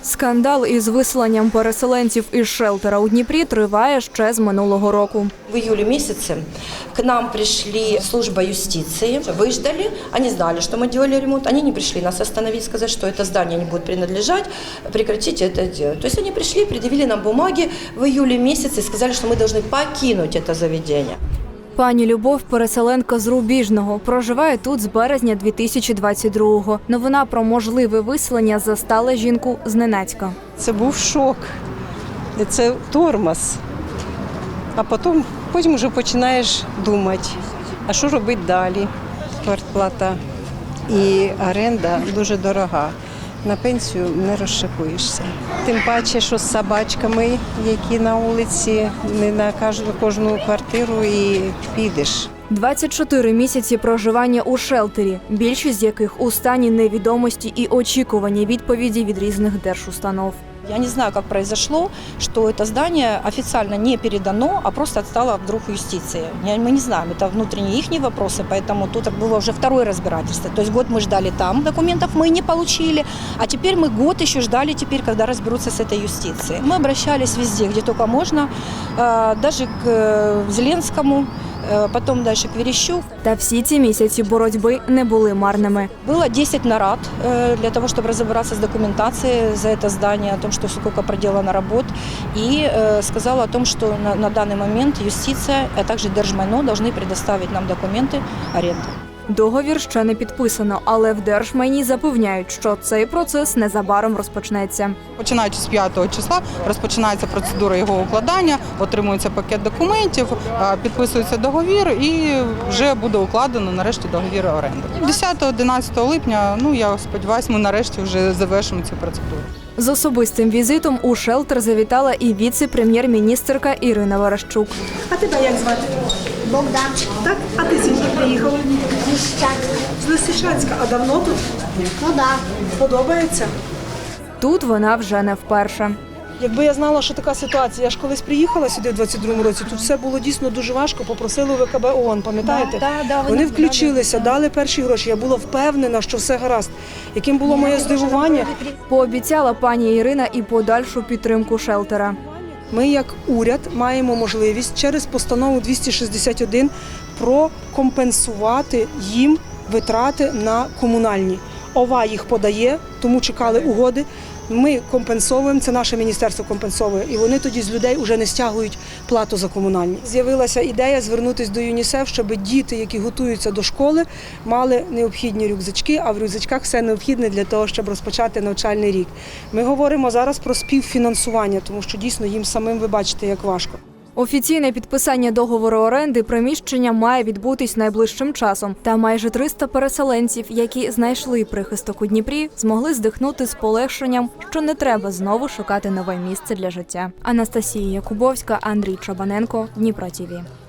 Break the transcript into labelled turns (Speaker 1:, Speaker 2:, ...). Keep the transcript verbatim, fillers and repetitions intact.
Speaker 1: Скандал із виселенням переселенців із шелтера у Дніпрі триває ще з минулого року.
Speaker 2: В июле месяце к нам пришли служба юстиции, выждали, они знали, что мы делали ремонт, они не пришли нас остановить, сказать, что это здание не будет принадлежать, прекратите это делать. То есть они пришли, предъявили нам бумаги в июле месяце и сказали, что мы должны покинуть это заведение.
Speaker 1: Пані Любов – переселенка з Рубіжного. Проживає тут з березня дві тисячі двадцять другого. Новина про можливе виселення застала жінку зненацька.
Speaker 3: Це був шок, це тормоз. А потім, потім вже починаєш думати, а що робити далі. Квартплата і оренда дуже дорога. На пенсію не розшикуєшся. Тим паче, що з собачками, які на вулиці, не на кожну квартиру і підеш.
Speaker 1: двадцять чотири місяці проживання у шелтері, більшість з яких у стані невідомості і очікування відповіді від різних держустанов.
Speaker 4: Я не знаю, как произошло, что это здание официально не передано, а просто отстало вдруг юстиции. Мы не знаем, это внутренние их вопросы, поэтому тут было уже второе разбирательство. То есть год мы ждали там, документов мы не получили, а теперь мы год еще ждали, теперь, когда разберутся с этой юстицией. Мы обращались везде, где только можно, даже к Зеленскому, потом дальше к Верещук.
Speaker 1: Та всі ці місяці боротьби не були марними.
Speaker 4: Было десять нарад для того, чтобы разобраться с документацией за это здание, о том, что сколько проделано работ, и сказала о том, что на, на данный момент юстиция, а также Держмайно должны предоставить нам документы аренды.
Speaker 1: Договір ще не підписано, але в Держмайні запевняють, що цей процес незабаром розпочнеться.
Speaker 5: Починаючи з п'ятого числа розпочинається процедура його укладання, отримується пакет документів, підписується договір і вже буде укладено нарешті договір оренди. десятого-одинадцятого липня, ну я сподіваюся, ми нарешті вже завершимо цю процедуру.
Speaker 1: З особистим візитом у шелтер завітала і віце-прем'єр-міністерка Ірина Верещук.
Speaker 6: А тебе як звати?
Speaker 7: Богдан.
Speaker 6: Так? А ти звідки приїхав?
Speaker 7: Лисичанська.
Speaker 6: З Лисичанська. А давно тут?
Speaker 7: Ну да.
Speaker 6: Подобається?
Speaker 1: Тут вона вже не вперше.
Speaker 6: Якби я знала, що така ситуація, я ж колись приїхала сюди в двадцять другому році, тут все було дійсно дуже важко, попросили у ВКБ ООН, пам'ятаєте?
Speaker 4: Да, да, да,
Speaker 6: вони включилися, дали перші гроші, я була впевнена, що все гаразд. Яким було моє здивування?
Speaker 1: Пообіцяла пані Ірина і подальшу підтримку шелтера.
Speaker 6: Ми, як уряд, маємо можливість через постанову двісті шістдесят один прокомпенсувати їм витрати на комунальні. ОВА їх подає, тому чекали угоди. Ми компенсовуємо, це наше міністерство компенсовує, і вони тоді з людей вже не стягують плату за комунальні. З'явилася ідея звернутися до ЮНІСЕФ, щоб діти, які готуються до школи, мали необхідні рюкзачки, а в рюкзачках все необхідне для того, щоб розпочати навчальний рік. Ми говоримо зараз про співфінансування, тому що дійсно їм самим, ви бачите, як важко.
Speaker 1: Офіційне підписання договору оренди приміщення має відбутись найближчим часом. Та майже триста переселенців, які знайшли прихисток у Дніпрі, змогли здихнути з полегшенням, що не треба знову шукати нове місце для життя. Анастасія Якубовська, Андрій Чабаненко, Дніпро ТІВІ.